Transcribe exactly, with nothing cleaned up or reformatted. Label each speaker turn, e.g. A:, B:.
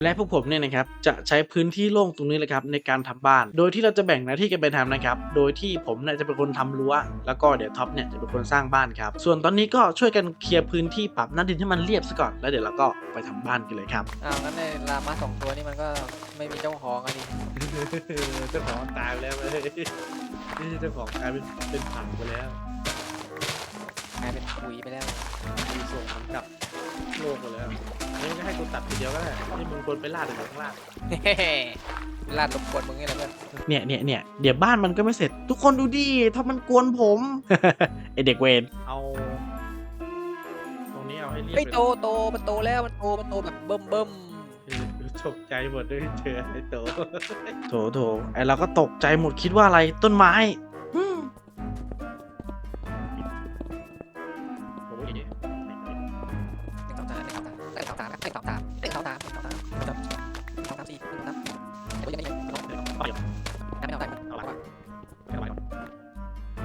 A: และพวกผมเนี่ยนะครับจะใช้พื้นที่โล่งตรงนี้เลยครับในการทำบ้านโดยที่เราจะแบ่งหน้าที่กันไปทำนะครับโดยที่ผมเนี่ยจะเป็นคนทำรั้วแล้วก็เดี๋ยวท็อปเนี่ยจะเป็นคนสร้างบ้านครับส่วนตอนนี้ก็ช่วยกันเคลียร์พื้นที่ปรับหน้าดินให้มันเรียบซะก่อนแล้วเดี๋ยวเราก็ไปทำบ้านกันเลยครับ
B: อ้าวงั้นในลามาสองตัวนี่มันก็ไม่มีเจ้าของอันนี้
A: เจ้าของตายไปแล้วเลยนี่เจ้าของกลายเป็นเป็นผังไปแล้ว
B: กลายเป็นปุ๋ยไปแล้ว
A: มีส่งมันกลับโลกไปแล้วนี่ก็ให้กูตัดทีเดียวก็ได้ที่มึงควรไปลาดอยู่ข้างล่าง
B: ลาดรบกวนมึงนี่แหละเพื่อน
A: เนี่ยเนี่ยเนี่ยเดี๋ยวบ้านมันก็ไม่เสร็จ ทุกคนดูดิถ้ามันกวนผม ไอเด็กเวรเอาตรงนี้เอาให้เรียบ
B: เฮ้ย
A: ไป
B: โตโตมันโตแล้วมันโตมันโตแบบเบิ่มเบิ่ม
A: ตกใจหมดด้วยเจอไอโต โถโถไอเราก็ตกใจหมดคิดว่าอะไรต้นไม้อืมโอ้ย
B: หนึ่งสองสามหนึ่งสองสามหนึ่งสองสามหนึ่งสองสามหนึ่งสองสามหนึ่งสองสามหนึ่งสองสามสี่หนึ่งสองสามเดี๋ยวยังไง